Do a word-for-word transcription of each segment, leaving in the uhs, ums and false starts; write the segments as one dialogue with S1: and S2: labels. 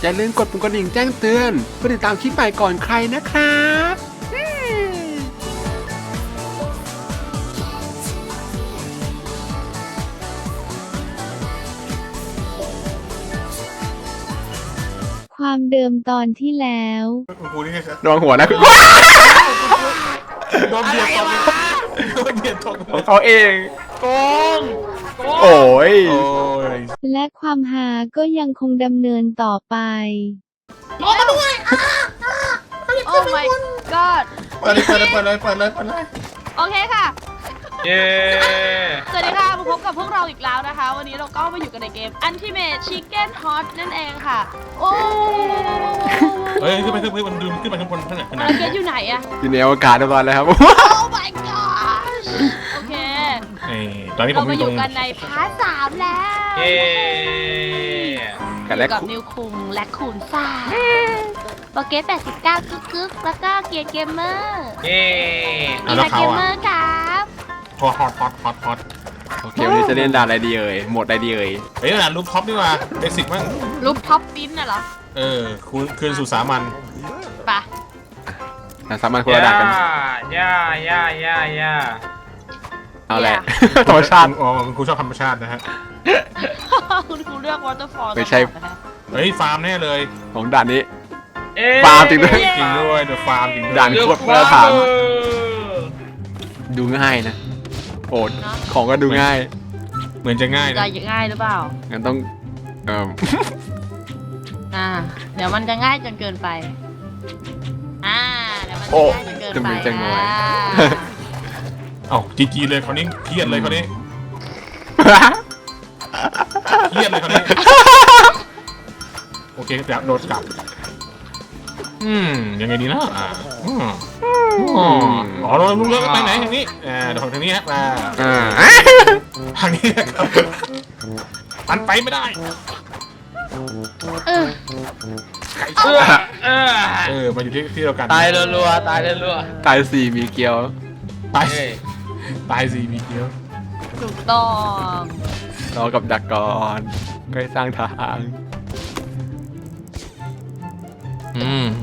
S1: อย่าลืมกดปุ่มกระดิ่งแจ้งเตือนเพื่อติดตามคลิปใหม่ก่อนใครนะครับ
S2: ความเดิมตอนที่แล้ว
S3: กูนี่ไงครับ
S1: ระวังหัวนะ
S3: โดนเบียดตกโดนเบียดตก
S1: ของเขาเอง
S4: โกงโกง
S1: โอ้ย
S3: โอ้ย
S2: และความหาก็ยังคงดำเนินต่อไป
S4: โอ้ my god
S3: เปิดเลยเปิดเลยเปิดเลยเปิดเลยเปิดเลย
S4: โอเคค่ะ
S5: เย้
S4: สวัสดีค่ะมาพบกับพวกเราอีกแล้วนะคะ วันนี้เราก็มาอยู่กันในเกม Ultimate Chicken Hot นั่นเองค่ะ โอ้
S3: เฮ้ยขึ้นไปขึ้นไปมันดูขึ้นไปข้างบนข้างไหนข้างไหน
S4: แล้วเกตอยู่ไหนอะ
S1: อยู่ในอวกาศเรียบร้อยแล้วครับ
S4: Oh my god โอเค
S3: เอ้ตอนนี้ผ
S4: เรา
S3: มอ
S4: มา
S3: ยู่
S4: อ
S3: ตร
S4: ยู่
S3: ง
S4: กันในพาร์ทสามแล้ว
S5: เย้
S1: กัน
S4: อ
S1: แรก
S4: ยู่กับนิวคุงและคูณซ่าโปเกตแปดสิบเก้ากึกกึกแล้วก็เกียร์เกมเมอร์
S5: เย้
S4: มีนาเกมเมอร์ครับ
S3: พอฮอตฮอตฮอตฮอต
S1: โอเควันนี้จะเล่นด่านอะไรดีเอ่ยหมดอะไรดีเอ่ย
S3: เฮ้ยขนาดลูกท็อปนี่ว่าเบสิกมั้ง
S4: รูปท็อปปิ้นน่ะเหรอ
S3: เออคืนคืนสู่สามัญ
S4: ปะ
S1: อ่ะสามารถคนละด่านกัน
S5: ย่าย่าย่าย่า
S1: เอาแหละ ธรรมชาติ
S3: อ๋อคุณครูชอบธรรมชาตินะฮะ
S4: คุณครูเลือกวอเตอร์ฟอล
S1: ไม่ใช่
S3: เฮ้ยฟาร์มแน่เลย
S1: ของด่านนี้
S5: เอ๊ะ
S1: ฟาร์มจริงด้วย
S3: จริงด้วยเดอะฟาร์มจริงด้วย
S1: ด่านโคตรมาตรฐานดูง่ายนะโอดของก็ดูง่าย
S3: เหมือนจะง่าย
S4: จะ
S3: นะ
S4: ง่ายหรือเปล่า
S1: งั้นต้องเอ่อ
S4: อ่า เดี๋ยวมันจะง่ายจนเกินไป อ่า เดี๋ยวมันจะ
S1: โอ้
S4: ง่ายจนเกิน
S1: จะ
S4: ไป
S1: มีจะงอย
S4: อ่า
S3: เอ้าจีจีเลยคนนี้เครียดเลยคนนี้เครียดเลยคนนี้โอเคจะโดดกลับอืมยังไงดีนะอ่าอืมอ๋ออ๋อเราลุกเลิกไปไหนทางนี้อ่าเดี๋ยวทางนี้ฮะมา
S1: อ่า
S3: ทางนี้ครับมันไปไม่ได้
S4: เออ
S3: ไก่
S5: เอ
S3: ชั่
S5: อ
S3: ว
S5: เออ
S3: เออมาอยู่ที่ที่เดียวกัน
S5: ตายรัวๆตายรัว
S1: ตายสี่มีเกลียว
S3: ตาย
S5: ๆเฮ้ย
S3: ตายสี่มีเดียว
S4: ถูกต้อง
S1: รอกับดักก่อนก็ให้สร้างทาง
S3: อืม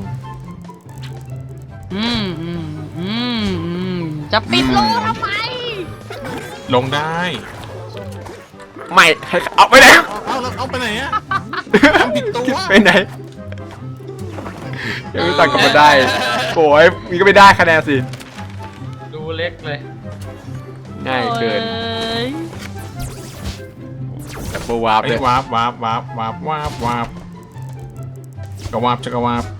S4: อืมอืมอืมอืมจะปิดโลทำไม
S3: ลงได้
S1: ไม่ให้เอาไปไหน
S3: เอาแล้วเอาไปไหนอะทำผิดตัว
S1: ไปไหนยังไม่ตัดกลับมาได้โอ้ยมีก็ไม่ได้คะแนนสิ
S5: ดูเล็กเลย
S1: ง่ายเกิน
S4: อ้ย
S1: แต่โบวาร์ป
S3: ไอ้
S1: เลย
S3: วาบวาบวาบวาบวาบวาบกระวาบจะกระวาบ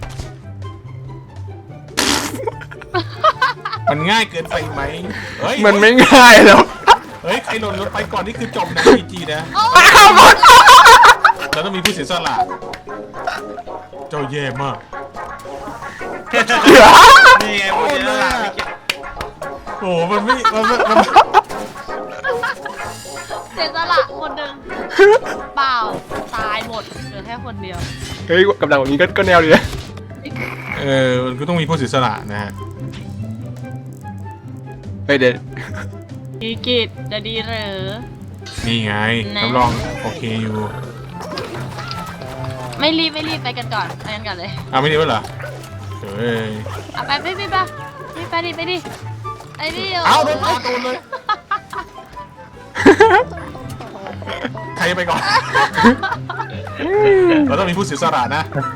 S3: มันง่ายเกินไปไหมเฮ้ย
S1: มันไม่ง่ายแล้ว
S3: เฮ้ยใครหล่นรถไปก่อนนี่คือจบนะพีจีนะเราต้องมีผู้เสียสละเจ้าแย่มาก
S5: นี่ไงพูดเยอะละไม่คิด
S3: โอ้โหมันไม่มันไม่มัน
S4: เสียสละคนหนึ่งเปล่า ตายหมด เหลือแค่คนเดียว
S1: เฮ้ยกับดักแบบนี้ก็ก็แนวดีนะ
S3: เออมันก็ต้องมีผู้เสียสละนะฮะ
S1: เฮ้ยเด็ด
S4: อีกิจจะดีหรือ
S3: นี่ไง
S4: นะ
S3: รับรองโอเคอยู่
S4: ไม่รีบไม่รีบไปกันก่อนไปกันก่อนเลย
S3: อ้าวไม่ดีวะเหรอเฮ้ย
S4: เอาไปไปไปไปไปดิไปดิไปดิ
S3: เอาโดนเอาโดนเลย ใครไปก่อน เราต้องมีผู้เสียสละนะ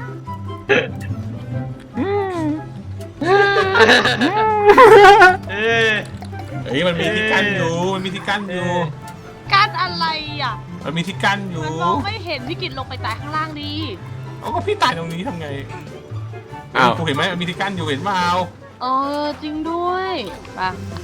S5: เอ้ย
S3: เฮ้ยมันมีที่กั้นอยู่ มันมีที่กั้นอยู่
S4: การอะไรอ่ะ
S3: มันมีที่กั้นอยู่
S4: มันมองไม่เห็นพี่กิจลงไปตายข้างล่างดี
S3: เอาก็พี่ตายตรงนี้ทำไง
S1: อ้าว
S3: กูเห็นไหมมันมีที่กั้นอยู่เห็นเปล่า
S4: เออจริงด้วยไป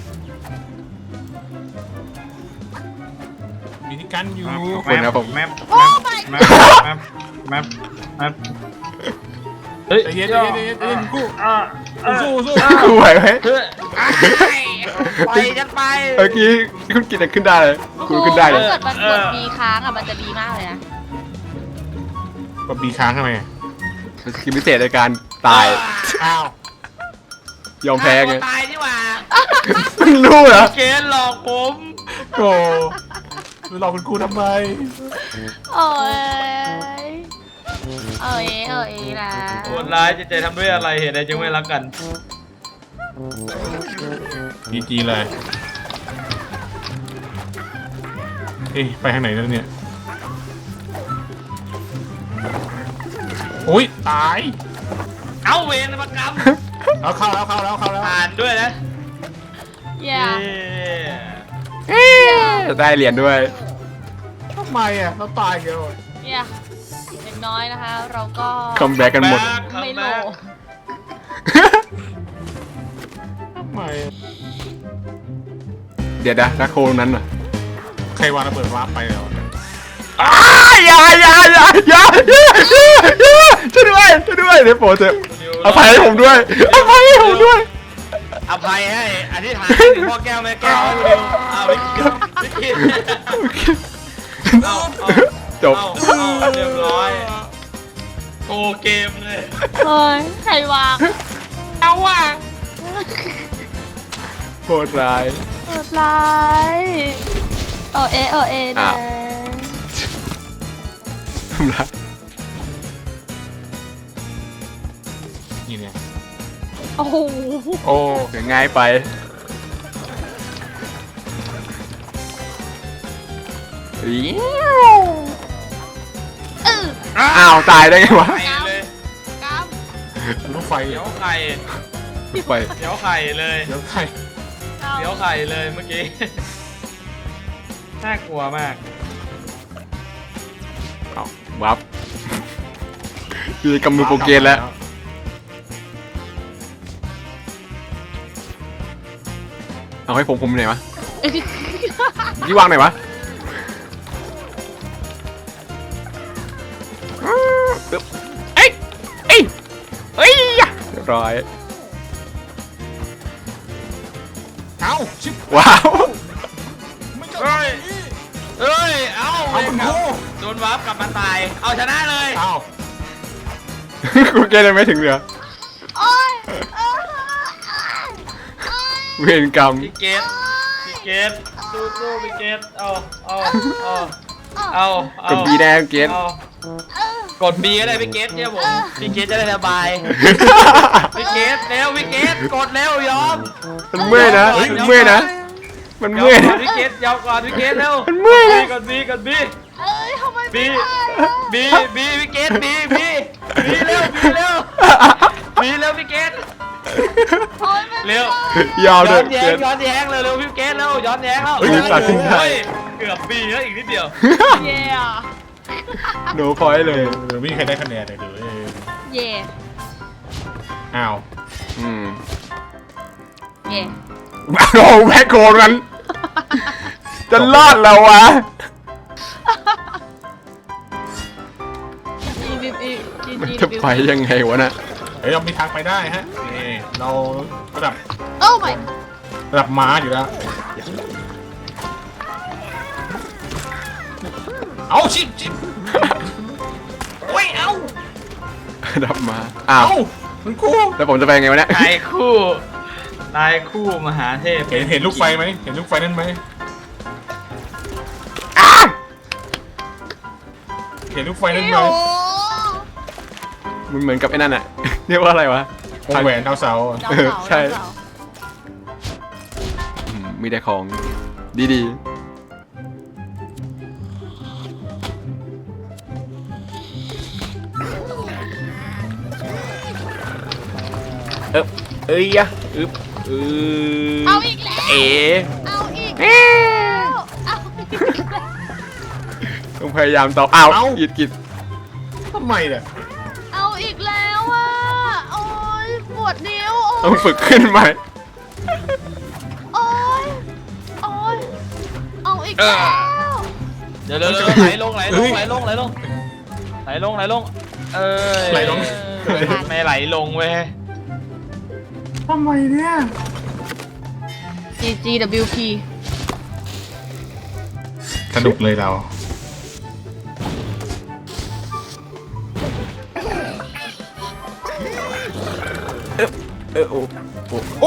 S3: มีที่กั้นอยู่
S1: ขอบคุณครับผม
S5: แมป
S4: โอ้
S5: แม
S4: my
S5: ปแมปแมปแมปแมปเฮ้ย
S3: ใจเย็นใจเย็นใจเย็นใจเย็นกู
S5: อ่าอ่า
S3: สู้สู้
S1: กูไหวไหม
S5: เฮ้ยไปกันไป
S1: เมื่อกี้คุณกินขึ้นได้เลยคุณขึ้นได้เลย
S4: ถ้าเกิดมันกดมีค้างอ่ะมันจะดีมากเลยนะ
S3: กดบีค้างทำไม
S1: สกิลพิเศษในการตาย
S3: อ้าว
S1: ยอมแพ้ไง
S5: ตายนี่หว่า
S1: เพิ่งรู้เหรอ
S5: เกณฑ์หลอกผม
S3: โอ้ไปหลอกคุณครูทำไม
S4: โอ้ยเออเอเออเอนะ
S5: โหดร้ายจิตใจทำด้วยอะไรเหตุใดจึงไม่รักกัน
S3: จีจีเลยเอ๊ะไปทางไหนแล้วเนี่ยโอ้ยตาย
S5: เอาเวรประกรรม
S3: เอาเข้าแล้วเข้าแล้วเข้าแล้ว
S5: อ่านด้วยนะ
S4: อย่า
S5: เย้
S1: ได้เหรียญด้วย
S3: ทำไมอ่ะเราตายกันเลย
S4: อย่าอย่างน้อยนะคะ เราก็
S1: คัมแบ็กกันหมด
S4: ไม่โล
S3: ทำไมอะ
S1: เดี๋ยวนะนักโคตรงนั้นอ่ะ
S3: ใครวางระเบิดวาร์ปไปแล้ว
S1: อย่าอย่าอย่าอย่าอย่าช่วยด้วยช่วยด้วยเดี๋ยวโปรดเถอะอภัยให้ผมด้วยอภัยให้ผมด้วย
S5: อภัยให้อธิษฐานถึงพ่อแก้วแม่แก้วให้ดูเอาวิกิวิกิเอาเอา
S1: จบ
S5: เอาเอาเรียบร้อยโกเกมเลย
S4: เฮ้ยใครวางเอาว่ะ
S1: โคตรร้าย
S4: โหดร้ายเออเอเออเอนะ
S1: อ้าว ทำร้าย
S3: นี่เนี่ย
S4: โอ้โห
S1: โอ้ง่ายไปอี๋
S4: เออ
S1: อ้าวตายได้ไงวะ
S5: ไข่เลย
S4: กล้าม
S3: ลูกไฟ
S5: เดี๋ยวไข่
S1: ไป
S5: เดี๋ยวไข่เลย
S3: เดี๋ยวใคร
S5: เดี๋ยวไข่เลยเมื่อกี้ น่ากลัวมาก
S1: เอาวับมีกำมือโปรเกนแล้ว เอาให้ผมผมไหนวะยี่วางไหนวะปึ๊บเอ้ยเอ้ยเอ้ยเรียบร้อย
S3: เอ้าชิบ
S1: ว้าว
S5: เฮ้ย เฮ้ย เอา
S3: เอาคุณครู
S5: โดนวาร์ปกลับมาตาย เอาชนะเลย
S3: เอ้า
S1: กูเกณฑ์ยังไม่ถึงเหลือ
S4: โอ้ยเออ
S1: เวรกรรม
S5: พี่เกตพี่เกตสู้สู้พี่เกตเอาเอาเอาเอาเอา
S1: กดบีแดงเกณฑ์
S5: เอากดบีก็ได้พี่เกตเนี่ยผม พี่เกตจะได้สบาย พี่เกตเร็วพี่เกตกดเร็วยอม
S1: มันเมื่อยนะมันเมื่อยนะ มัน
S5: ยอ
S1: เมื่อย
S5: มก่อ
S1: นะ
S5: นพี่เกตยอมก่อนพี่เกตเร็ว
S1: มันเมื่อยนะ
S5: กดบีกดบี
S4: เอ้ยทำไมไม่
S5: บี
S4: ได้อะ
S5: บีบีพี่เกตบีบีบีเร็วบีเร็วบีเร็วพี่เกต
S4: โอ้ยไม่
S5: เร็ว
S1: ยาวเล
S5: ย้อย นแย้
S1: เก
S5: ง
S1: ณฑ์
S5: ย้อนแย้งเร็วเร็วพี่เกตเร็วย้อนแย้งแล้ว
S1: เฮ้ยตัดสินใจ
S5: เฮ้ยเกือบบีแล้วอีกนิดเดียว
S4: เย่อะ
S1: โนพอยต์เลย
S3: เออไม่มีใครได้คะแนนเลยเดี๋ยวเออ
S4: เย่
S3: อ้าว
S1: อืม
S4: เย่
S1: โอ้แม่โกนมันจะรอดแล้ววะ
S4: จีบีบีจี
S1: มัน
S4: จี
S1: จะไปยังไงวะน่ะ
S3: เฮ้ยเรามีทางไปได้ฮะนี่เราระดับ
S4: โอ้ my
S3: ระดับม้าอยู่แล้วเอาชิบชิบโอ้ยเอา
S1: ดับมา อ้าว
S3: เอาคุณครู
S1: แล้วผมจะไปยังไงวะเนี่ย
S5: นายคู่นายคู่มหาเทพ
S3: เห็นเห็นลูกไฟไหมเห็นลูกไฟนั่นไหม
S1: อ้าว
S3: เห็นลูกไฟนั่นไหม
S4: โอ้
S1: มันเหมือนกับไอ้นั่นอะเรียกว่าอะไรวะ
S3: วงแหวนดาวเสาร์อะ
S4: ดาวเสา
S1: ใช่
S4: ดาวเสา
S1: อืมมีแต่ของดีๆ เอ๊บเอ้ยอะอึบอือ
S4: เอาอีกแล้ว
S1: เอ๋
S4: เอาอีกแล้วเอาอีกแล้ว
S1: ต้องพยายามต่ออ้าวกิดกิด
S3: ทำไมเนี่ย
S4: เอาอีกแล้วอ่ะโอ้ยปวดนิ้ว
S1: ต้
S4: โอ้
S1: อง
S4: ย
S1: ฝึกขึ้นใหม่
S4: โอ้ยโอ้ยเอาอีกแล้ว
S5: เดี๋ยวเดี๋ยวเดี๋ยวไหลลงไหลลงไหลลงไหลลงไหลลงไหลลงเออ
S3: ไหลลง
S5: ไม่ไหลลงเว้ย
S3: ทำไมเนี่ย
S4: จี จี ดับเบิลยู พี
S3: สนุกเลยเรา
S1: เออโอ้โอ้
S3: โอ้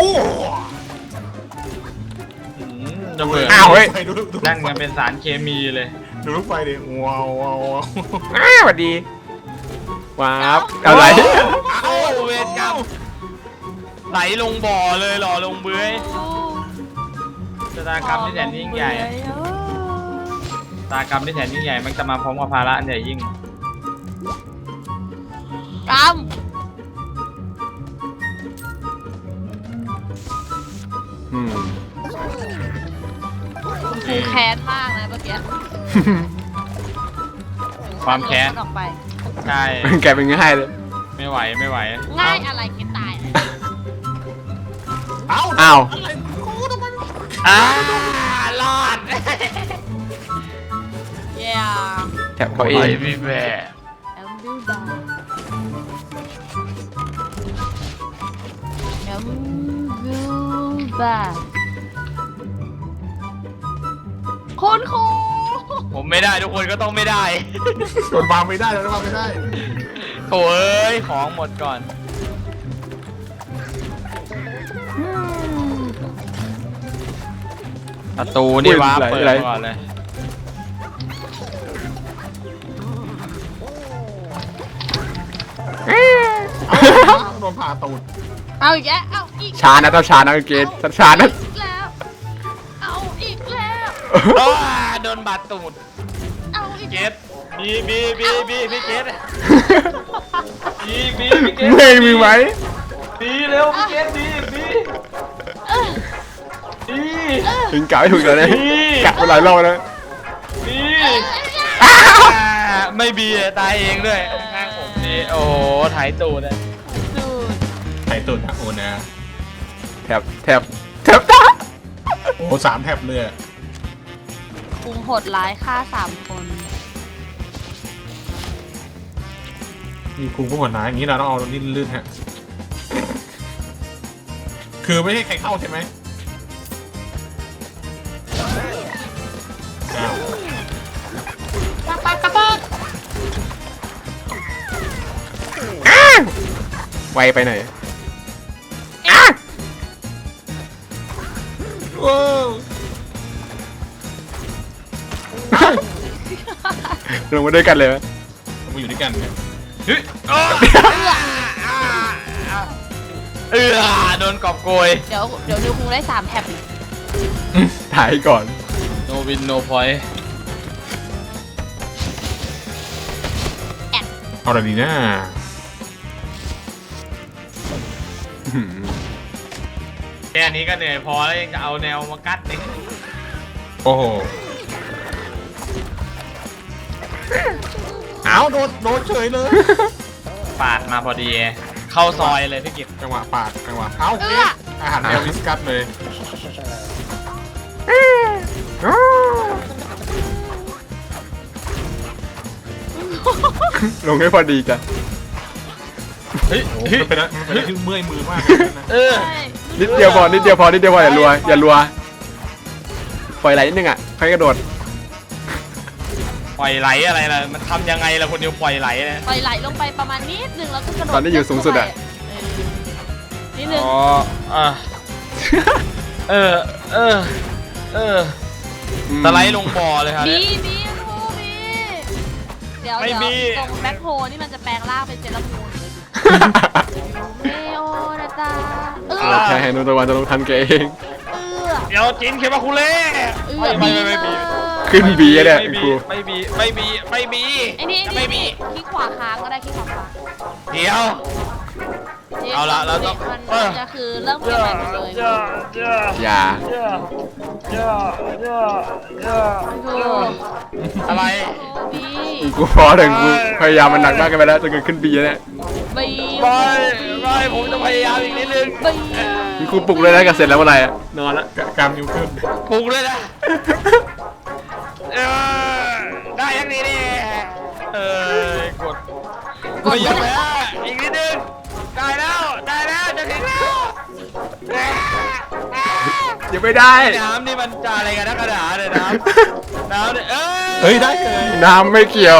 S5: อืมจะเบื่อ
S1: อ้าวเฮ้ย
S3: ไปดูดูดู
S5: นั่นกันเป็นสารเคมีเลย
S3: ดูลูกไฟดิว้าวว้าวว้าว
S1: อ้าวสวัสดีว้าวอะไร
S5: เอ้าเวรกรรมไหลลงบ่อเลยหล่อลงเบื้อยชะตากรรมที่แสนยิ่งใหญ่ชะตากรรมที่แสนยิ่งใหญ่มันจะมาพร้อมกับภาระอันใหญ่ยิ่ง
S4: กรรม
S1: อืม
S4: คุณครูแค้นมากนะเมื่อกี้
S5: ความแค้น
S4: ออกไป
S5: ใช่
S1: แกเป็นง่ายเลย
S5: ไม่ไหวไม่ไหว
S4: ง่ายอะไรคิดตาย
S3: เอ้า
S1: อ้าว
S5: อ่ารอด
S4: เย้
S1: แถบเขาเอ
S5: ไป
S1: ง
S5: พี่แม่
S4: แอมบิวดาแอมบิวดาคุณครู
S5: ผมไม่ได้ทุกคนก็ต้องไม่ได้
S3: โดนวางไม่ได้แล้ววางไม่ได้
S5: โถ่เอ้ยของหมดก่อนประตูนี่ว้าเปิดก่อนเลย
S3: โดนผ่าตูด
S4: เอาอีกแล้วเอาอีก
S1: ช้านะต้องช้านะเกณฑ์ช้านะ
S4: อีกแล้วเอาอีกแล้ว
S5: โอ้โดนบาดตูด
S4: เอาอีก
S5: เกตบีบีบีบีพี่เกตบีบีพี่เกต
S1: เมื่อยมีไหม
S5: บีเร็วพี่เกตบีบีบี
S1: ถึงกะไม่ถูกเลยนะกะไปหลายรอบแล้ว
S5: บีไม่บีตายเองด้วยข้างผมนี่โอ้โหถ่ายตูดเลย
S4: ดูด
S3: ใส่ตูดนะโอ้นะ
S1: แถบแถบแถบตา
S3: โอ้สามแถบเลยอะ
S4: คุงโหดร้ายฆ่าสามคน
S3: มีคุงพวกหัวหนาอย่างนี้เราต้องเอาลิ้นลื่นฮะคือไม่ให้ใครเข้าใช่ไหมอ้าว
S1: ไวไปหน่อย
S3: ว้าว
S1: ลงมาด้วยกันเลยไหม
S3: มาอยู่ด้วยกันเนี่ย
S5: เฮ้ยเออโดนกอบโกย
S4: เดี๋ยวเดี๋ยวนิวคุงได้สามแท็บ
S1: ถ่ายก่อน
S5: no win no point
S3: เอาอะไรดีนะ
S5: แค่นี้ก็เหนื่อยพอแล้วยังจะเอาแนวมากัดอีก
S3: โอ้โหเอาโดนโดนเฉยเลย
S5: ปาดมาพอดี เข้าซอยเลยพี่กิต
S3: จังหวะปาดจังหวะเอาเกมอาหารแนววิสกัสเลย
S1: ลงให้พอดีจ้ะ
S5: เฮ้ย
S3: โอ้โห
S5: เฮ้ย
S3: มันเป็นอะไรมันเป็นอะไรที่เมื่อยมือมากเลยนะ
S5: เออ
S4: ใช่
S1: นิดเดียวพอนิดเดียวพอนิดเดียวพออย่ารัวอย่ารัวปล่อยไหลนิดนึงอ่ะค่อยกระโดด
S5: ปล่อยไหลอะไรล่ะมันทำยังไงล่ะคนเดียวปล่อยไหลนะ
S4: ปล่อยไหลลงไปประมาณนิดนึงแล้วก็กระโดด
S1: ตอนนี้อยู่สูงสุดอะ
S4: เออนิดนึง
S5: อ๋ออ่ะเออเออเออสไลด์ลงบ่อเลยครับ
S4: บีบีครูบีเดี๋ยว
S5: ไม่
S4: เดี๋ยว
S5: มี
S4: ตรงแบ็คโฮนี่มันจะแปลงร่างเป็นเจลามูนเลยเมโอนาตาเออ
S1: แค่ให้นุตะวันจะลงทันแกเอง
S4: เออ
S5: เดี๋ยวจินเคมาคุเล่
S4: เอ
S5: ไม่
S4: อ
S5: ไม่ไม่ไม่บี
S1: ขึ้นบีเนี่ย
S5: ไม่
S1: ครู
S5: บีไม่บีไม่บีไม่บี
S4: ไอ้นี่
S5: จะ
S4: ไอ้
S5: ไม่บี
S4: นี่คลิกขวาค้างก็ได้คลิกขวาค้าง
S5: เดี๋ยว เอาละแล้วต้อง
S4: มันมันจะคือเริ่มเกมใหม่หมดเลย
S1: อย่า
S4: คือ
S5: อะไร
S4: บี
S1: กูพอถึงกูพยายามมันหนักมากกันไปแล้วจนเกิดขึ้นบีเนี่ย
S4: บี
S5: ไม่ไม่ผมจะพยายามอีกนิดนึง
S4: บี
S1: กูปลุกเลยนะกับเสร็จแล้วเมื่อไหร่อะนอนละ
S3: กล้ามนิ้วขึ้น
S5: ปลุกเลยนะเออได้ยังดีดิเออกดไม่ยอมแพ้อีกนิดนึงได้แล้วได้แล้วจะถึงแล้ว
S1: ยังไม่ได้
S5: น้ำนี่มันจะอะไรกันนักกระดาษเลยน้ำน้ำเนี่ยเอ้ย
S3: เฮ้ยได้เลย
S1: น้ำไม่เกี่ยว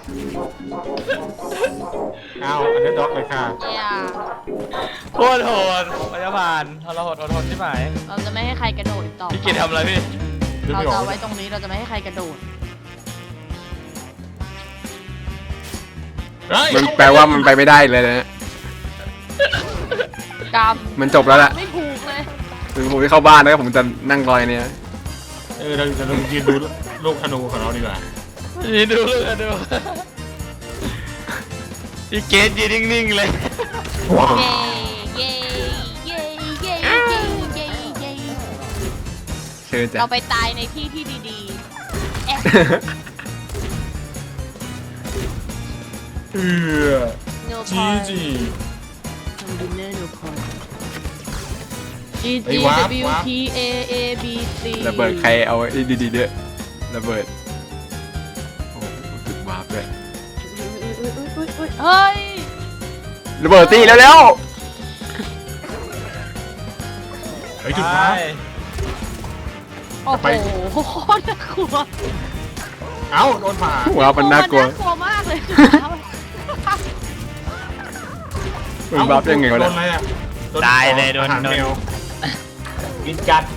S3: เอาอันนี้ด็อกเลยค่ะ
S4: เย่า
S5: โคตรโหดพยาบาลทรหดอดทนที่หมาย
S4: เราจะไม่ให้ใครกระโดดอีกต่อ
S5: พี่กิตทำอะไรพี่
S3: นึก
S4: เรา
S3: ไม่อ
S4: จะ
S3: อก
S4: เอาไว้ตรงนี้เราจะไม่ให้ใครกระโดด
S3: เอเฮ้ย
S1: มันแปลว่ามันไปไม่ได้เลยนะ
S4: กรรม
S1: มันจบแล้วล่ะ
S4: ไม่ถูกเลย
S1: ถึงผมจะเข้าบ้านแล้วผมจะนั่งรอยเนี่ย
S3: เออเราจะยืนดูลูกธนูของเราดีกว่า
S5: นี่ดูเลยดูอีเกตยืนนิ่งๆเลย
S3: ว้าว
S4: เย้เย้เย้เย้เย้เย้เย้
S1: เชิญจ้ะ
S4: เราไปตายในที่ที่ดีๆเอ๊ะ
S3: เออ
S4: no
S3: จี
S4: point
S3: จี
S4: ดินเนอร์ no point G
S3: เฮ้
S4: G
S3: ยวาร์ป
S4: W
S3: วาร์ป
S4: P A A B C
S1: ระเบิดใครเอาไอ้ดีๆเด้อระเบิดโอ้จุดวาร์ปด้วย
S4: เฮ้ย
S1: ระเบิดตีแล้วแล้ว
S3: เฮ้ยจุดฟ้า
S4: โอ้
S3: ไป
S4: โหโคตรน่ากลัว
S3: เอ้าโดนผ่า
S1: หัวมันน่ากลัว
S4: น่ากลัวมากเลย
S1: มันวาร์ปยังไงวะ
S3: โด
S1: เนี่ย
S3: นอะไรอ่ะ
S5: ตายเลยโดน
S3: อาหาร
S5: โดน
S3: แมว
S5: กินกัด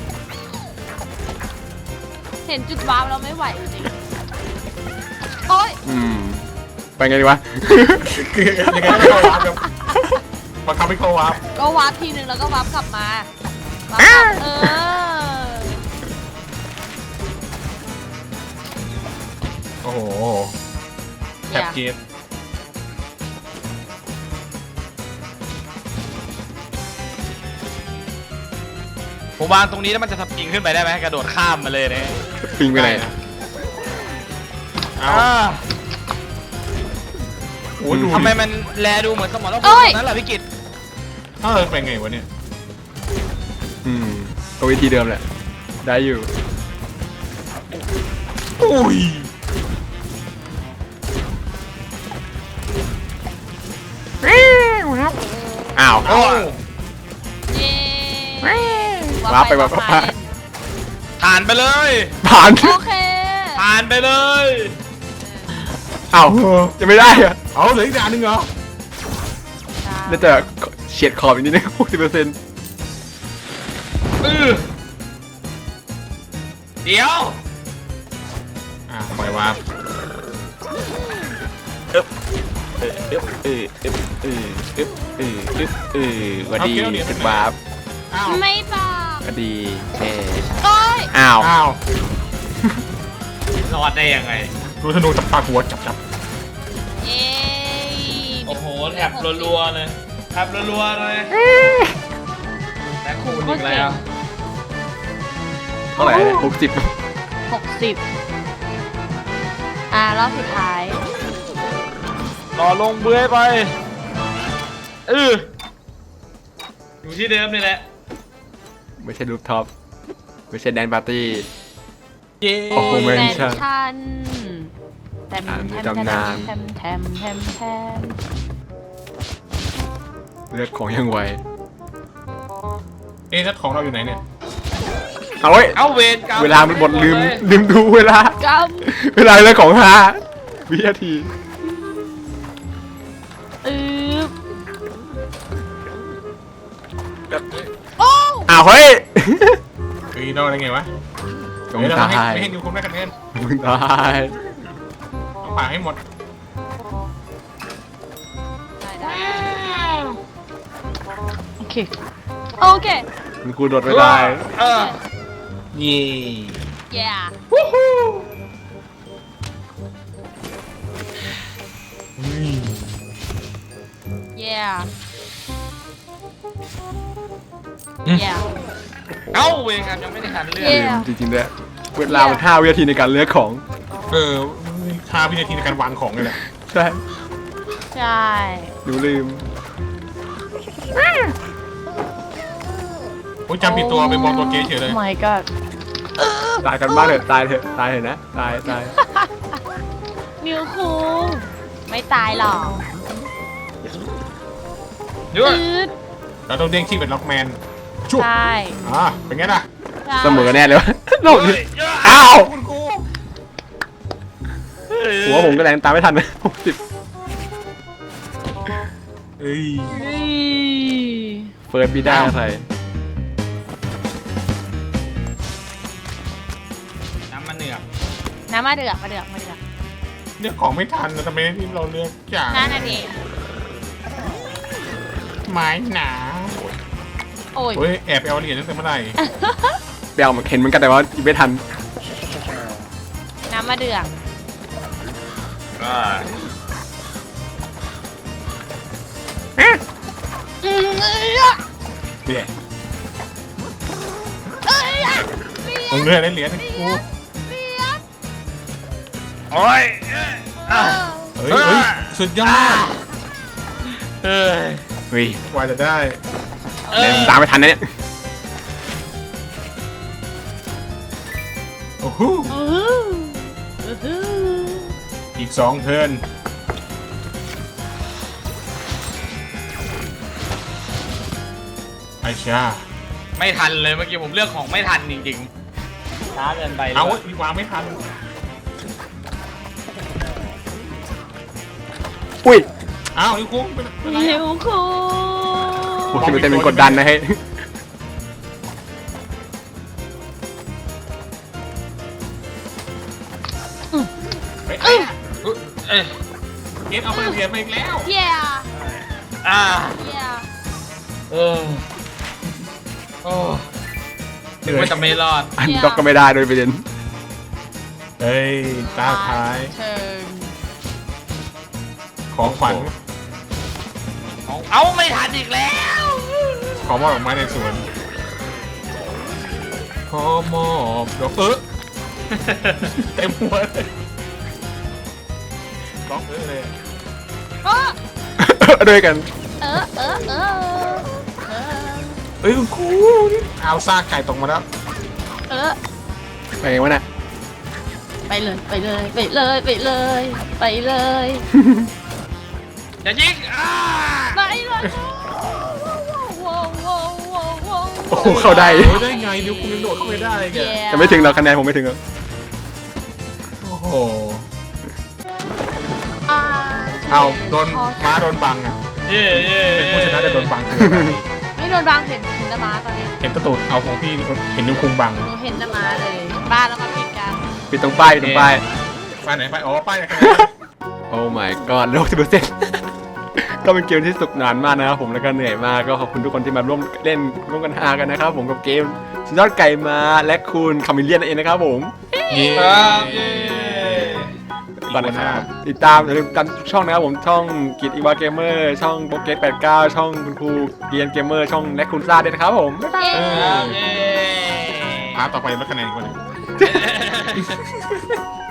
S4: เห็นจุดวาร์ปเราไม่ไหวจริงๆโอ้ย
S1: อืมไปไงดีวะ
S3: คือยังไงก็ไม่เข้าวาร์ปครับบังคับให้เข้าวาร์ป
S4: ก็วาร์ปทีนึงแล้วก็วาร์ปกลับมาวาร์ปกลับเออ
S3: โอ้โหแทบเกต
S5: ผมวางตรงนี้แล้วมันจะสปริงขึ้นไปได้ไหมกระโดดข้ามมาเลยเนี่ย
S1: ปิงไปไหน
S3: เอ้า
S5: อ่า
S3: โอ้โหดู
S5: ทำไมมันแลดูเหมือนสมองรบ
S4: เอ้
S5: ต
S4: ย
S5: รงนั้นเหรอพี่กิต
S3: เออเป็นไงวะเนี่ย
S1: อืมก็วิธีเดิมแหละได้อยู่
S3: อุ้ย
S1: อ้าว
S3: เอ้า
S4: เย้
S1: วาร์ปไปวาร์ปมา
S5: ผ่านไปเลย
S1: ผ่าน
S4: โอเค
S5: ผ่านไปเลย
S1: อ้าวยังไม่ได้อะ
S3: เอาเหลืออีกด่านหนึงเหรอ
S1: น่าจะเฉียดขอบอีกนิดนึงหกสิบเปอร์เซ็นต์
S5: อือเดี๋ยว
S3: อ่าปล่อยวาร์ป
S1: เออเออเออเออเออเออเออเออเออวันดีถึงวาร์ป
S3: อ้าว
S4: ไม่บอก
S1: วันดีเออ
S4: โอ้ย
S1: อ้าว
S3: อ้าว
S5: รอดได้ยังไง
S3: ดูธนูจับปากหัวจับจับ
S4: เย้
S5: โอ้โหแถบรัวๆเลยแถบรัวๆเลยแต่คูณอีกแล้ว
S1: เท่าไหร่หกสิบ
S4: หกสิบอ่ารอบสุดท้าย
S5: รอลงเบื้อยไปเอออยู่ที่เดิมนี่แหละ
S1: ไม่ใช่รูปท็อปไม่ใช่แดนปาร์ตี้
S3: เย้
S1: โอ้โหแมนชั่น
S4: ชันแทม
S1: อ่าน
S4: แทม
S1: ตำนาน
S4: แทมแทมแทมแทม
S1: เลือกของยังไว
S3: เอ๊ะแล้วของเราอยู่ไหนเนี่ย
S1: เอาไว้ย
S5: เอาเวรกรรม
S1: เวลามันหมดลืมลืมดูเวลา
S4: ก
S1: เวลาเลือกของห้าวินาที
S4: ำอืบโอ้
S1: อ้าวเฮ้ย
S3: เฮ้ยเราอะไรไงวะ
S1: จง
S3: เฮ้ยเรา
S1: ตา
S3: ให้
S1: ย
S3: ไม่ให้นิวคุมได้คะแนน
S1: มึงตาย
S3: ต้องผ่าให้หมด
S4: ได้ได้โอเค โอเค
S1: มึงกูโดดไม่ได้
S5: เออ
S3: เย่
S4: yeah
S3: อืม
S4: yeah
S3: อืม
S4: yeah
S5: เอาเวรกรรมยังไม่ได้ขันเลือก
S4: เย้
S1: ลืมจริงๆด้วยเวลามันห้าวินาทีในการเลือกของ
S3: เออห้าวินาทีในการวางของเลยแหละ
S1: ใช่
S4: ใช่
S1: หนูลืม
S3: โอ้ยจำผิดตัวไปมองตัวเก๊เฉยเลย
S4: my god
S1: ตายกันบ้างเถอะตายเถอะตายเถอะนะตายตาย
S4: นิวคุงไม่ตายหรอก
S5: ด้วย
S4: อืด
S3: เราต้องเด้งที่เป็นล็อกแมนชุบ
S4: ใช่
S3: อ่าเป็นไงล่ะ
S4: ใช่
S1: เสมอแน่เลยวะโลกนี้
S5: เฮ้ย
S1: อ้าว
S3: คุณกู
S1: หัวผมก็แรงตามไม่ทันนะหกสิบ
S3: เอ้ย
S4: นี่
S1: เฟิร์สบีด้าใส่
S5: น้ำมันเหนือก
S4: น้ำมาเดือกมาเดือกมาเดือก
S3: เลือกของไม่ทันนะทำไมที่เราเลือกจาก
S4: นั่นน่ะดิ
S3: ไม้หนา
S4: โอ้ย
S3: เฮ้ยแอบไปเอาเหรียญตั้งแต่เมื่อไหร่
S1: เบลเห็นเหมือนกันแต่ว่าไม่ทัน
S4: น้ำมะเดื่อง
S5: อ่า
S4: อืมเอ้ย
S3: เนี่ย
S4: เอ้ย
S3: มึงเลือกได้เหรียญกู
S5: โอ้ยอ่ะ
S3: เฮ้ยเฮ้ยสุดยอด
S5: เอ้ย
S1: เฮ้ย
S3: กว่าจะได้
S5: เอ้ย
S1: ตามไม่ทันนะเนี่ย
S3: โอ้โห
S4: อื้อหืออื้อหือ
S3: อีกสองเทิร์นไอชา
S5: ไม่ทันเลยเมื่อกี้ผมเลือกของไม่ทันจริงๆช้าเกินไป
S3: เอา
S5: เลย
S3: อีกวางไม่ทัน
S1: อุ้ย
S3: อ้าวนี่คุ้งเป็นเป็นไร
S4: หิ
S3: อะ
S4: วคู
S1: โอ้ยเต็มเป็นกดดันนะเฮ้ย
S3: เฮ้ยไอ้อะ
S5: เอ้ย
S3: เกตเอาไปเหรียญมาอีกแล้ว
S4: เย่
S5: อ่า
S4: เย่
S5: เออโอ้ถึงว่าจะไม่รอด
S1: อันด็อกก็ไม่ได้โดยประเด็น
S3: เฮ้ยตาท้าย
S4: เชิง
S3: ของขวัญ
S5: เอาเอาไม่ทันอีกแล้ว
S3: ขอมอบดอกไม้ในสวนขอมอบดอกเออเต็มหัวเลยล็อกเออเลย
S4: เออ
S1: ด้วยกัน
S4: เออเออเออเออ
S3: เฮ้ยคุณครูเอาซากไก่ตกมาแล้ว
S4: เออ
S1: ไปไงวะน่ะ
S4: ไปเลยไปเลยไปเลยไปเลยไปเลย
S5: จะยิงอ่า
S4: ไปเลยว้าวว้าวว้าวว้าว
S1: โอ้โหเข้าได้
S3: โอ้ยได้ไงนิ้วคุณยังโดดเข้าไปได้แก
S1: จะไม่ถึงเราคะแนนผมไม่ถึงหรอก
S3: โอ้โห
S4: อ่า
S3: เอาโดนม้าโดนบังอ่ะ
S5: เย่เย่
S3: เป็นผู้ชนะแต่โดนบังคืออะไร
S4: ไม่โดนบางเห็นเห็นน้ำม้าตอนนี้
S3: เห็นตะตูดเอาของพี่เห็นนิ้วคุงบัง
S4: หนูเห็นน้ำม้าเลย บ้านแล้วก็ผิดกัน
S1: ปิดตรงป้ายปิดตรงป้าย
S3: ไปไหนไปอ๋อป้ายไหนกัน
S1: โอ้ my god โลกจะดูเส้น ก็เป็นเกมที่สนุกนานมากนะครับผมแล้วก็เหนื่อยมากก็ขอบคุณทุกคนที่มาร่วมเล่นร่วมกันฮากันนะครับผมกับเกมสุดยอดไก่มาและคุณคามิเลียนนั่นเองนะครับผม
S3: เย้
S5: ครับเย่
S1: ก่อนนะครับติดตามอย่าลืมตามช่องนะครับผมช่องกิจอีวาเกมเมอร์ช่องโปเกตแปดเก้าช่องคุณครูเกียนเกมเมอร์ช่องและคุณซ่าด้วยนะครับผมบ๊ายบาย
S3: เอ
S5: ครั
S3: อบ
S5: เย่
S3: พาต่อไปแล้วคะแนนอีกคนหนึง